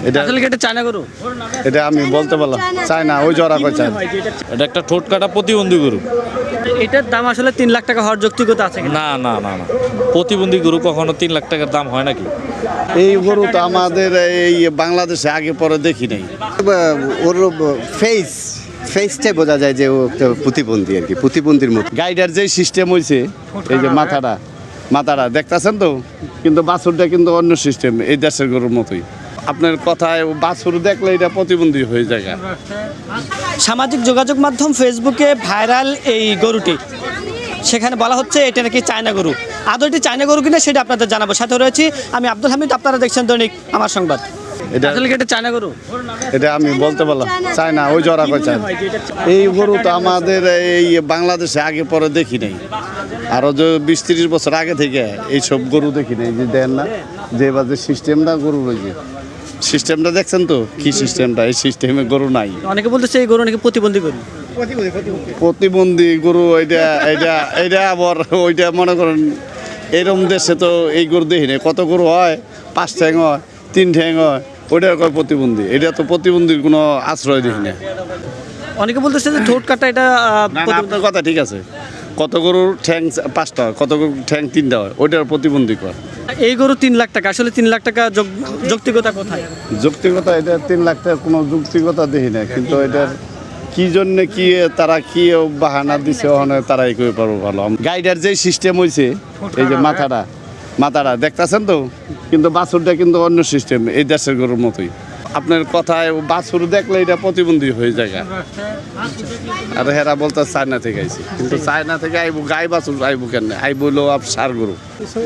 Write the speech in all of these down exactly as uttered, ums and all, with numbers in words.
এটা আসলে কি এটা চায়না গরু? এটা আমি বলতে পারলাম চাই না, ওই জোড়া কয় চাই। এটা একটা ঠোঁট কাটা প্রতিবন্ধী গরু। এটার দাম আসলে তিন লাখ টাকা হওয়ার যৌক্তিকতা আছে কিনা? না না না না প্রতিবন্ধী গরু কখনো তিন লাখ টাকার দাম হয় নাকি? এই গরু তো আমাদের এই বাংলাদেশে আগে পরে দেখি নাই। ওর ফেস ফেসটাই বোঝা যায় যে ও একটা প্রতিবন্ধী আর কি, প্রতিবন্ধীর মতো। গাইডার যেই সিস্টেম হয়েছে, এই যে মাথাটা মাথাটা দেখতেছেন তো, কিন্তু বাছুরটা কিন্তু অন্য সিস্টেম, এই দেশের গরুর মতোই। আপনার কথায় বাছুর দেখলে এটা প্রতিবন্ধী হয়ে যায়। সামাজিক যোগাযোগ মাধ্যম ফেসবুকে ভাইরাল এই গরুটি, সেখানে বলা হচ্ছে এটা নাকি চায়না গরু। আদৌ এটি চায়না গরু কিনা সেটা আপনাদের জানাবো। সাথে রয়েছি আমি আব্দুল হামিদ, আপনারা দেখছেন দৈনিক আমার সংবাদ। এটা আসলে কি এটা চায়না গরু? এটা আমি বলতে পারলাম চাই না, ওই জোড়া কয় চাই। এই গরু তো আমাদের এই বাংলাদেশে আগে পরে দেখি নাই। আরও যে বিশ তিরিশ বছর আগে থেকে এইসব গরু দেখি নাই। যে দেন না যে বাজে সিস্টেমটা গরু রয়েছে, সিস্টেমটা দেখছেন তো কি সিস্টেমটা, এই সিস্টেমে গরু নাই। অনেকে বলতেছে এই গরু নাকি প্রতিবন্ধী গরু। প্রতিবন্ধী গরু এটা এটা এটা আবার ওইটা মনে করেন এরম দেশে তো এই গরু দেখি নাই। কত গরু হয় পাঁচ ঠ্যাং হয়, তিন ঠ্যাং হয়, ওইটা কয় প্রতিবন্ধী। এটা তো প্রতিবন্ধীর কোনো আশ্রয় দেখি না। অনেকে বলতেছে যে ঠোঁট কাটা এটা আহ, না, না, আপনার কথা ঠিক আছে। কত গরুর ঠ্যাং পাঁচটা হয়, কত গরুর ঠ্যাং তিনটা হয়, ওইটার প্রতিবন্ধী কয়। এই গরু তিন লাখ টাকা, আসলে তিন লাখ টাকা যোগ- যৌক্তিকতা কোথায়? যৌক্তিকতা এটা তিন লাখ টাকার কোনো যৌক্তিকতা দেখি না। কিন্তু এটার কি জন্য কি তারা কি বাহানা দিছে ওখানে তারাই করে পারবো ভালো। গাইডার যেই সিস্টেম হয়েছে, এই যে মাথাটা মাথাটা দেখতেছেন তো, কিন্তু বাছুরটা কিন্তু অন্য সিস্টেম, এই দেশের গরুর মতোই। আপনার কথায় বাছুর দেখলে এটা প্রতিবন্ধী হয়ে যায়। আর হেরা বলতে চায়না থেকে আইছি, কিন্তু চায়না থেকে আইবো গাই বাছুর আইবো কেন, আইবো হলো আপ সার গরু।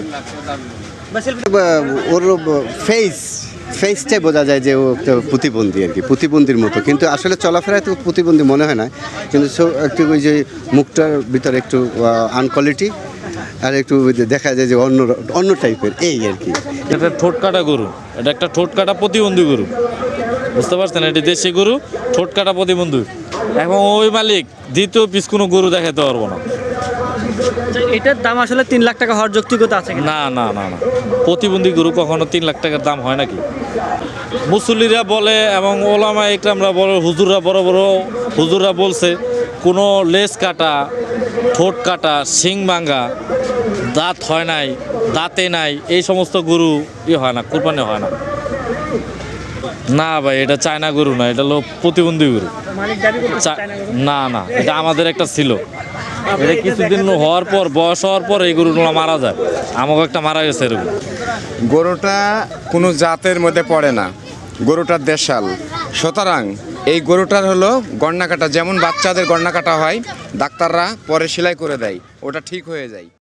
ওর ফেস ফেসটাই বোঝা যায় যে ও একটা প্রতিবন্ধী আর কি, প্রতিবন্ধীর মতো। কিন্তু আসলে চলাফেরায় তো প্রতিবন্ধী মনে হয় না, কিন্তু সো একটু ওই যে মুখটার ভিতরে একটু আনকোয়ালিটি আর একটু দেখা যায় যে অন্য অন্য টাইপের, এই আর কি। এটা ঠোঁট কাটা গরু। এটা একটা ঠোঁট কাটা প্রতিবন্ধী গরু, বুঝতে পারছেন? এটি দেশি গরু, ঠোঁট কাটা প্রতিবন্ধী। এখন ওই মালিক দ্বিতীয় পিস কোনো গরু দেখাতে পারবো না। এটার দাম আসলে তিন লাখ টাকা হওয়ার যৌক্তিকতা আছে কিনা? না না না না প্রতিবন্ধী গরু কখনো তিন লাখ টাকার দাম হয় নাকি? মুসল্লিরা বলে এবং ওলামা ইকরামরা বড় হুজুররা বড় বড় হুজুররা বলছে, কোনো লেজ কাটা, ঠোঁট কাটা, শিং ভাঙা, দাঁত হয় নাই, দাঁতে নাই, এই সমস্ত গরু ই হয় না, কোরবানি হয় না। না ভাই, এটা চায়না গরু না, এটা হলো প্রতিবন্ধী গরু। চা- না না এটা আমাদের একটা ছিল। এটা কিছুদিন হওয়ার পর, বয়স হওয়ার পর এই গরুগুলো মারা যায়। আমাকে একটা মারা গেছে এরকম। গরুটা কোনো জাতের মধ্যে পড়ে না, গরুটা দেশাল। সুতরাং এই গরুটার হলো গণনা কাটা, যেমন বাচ্চাদের গণনা কাটা হয়, ডাক্তাররা পরে সেলাই করে দেয়, ওটা ঠিক হয়ে যায়।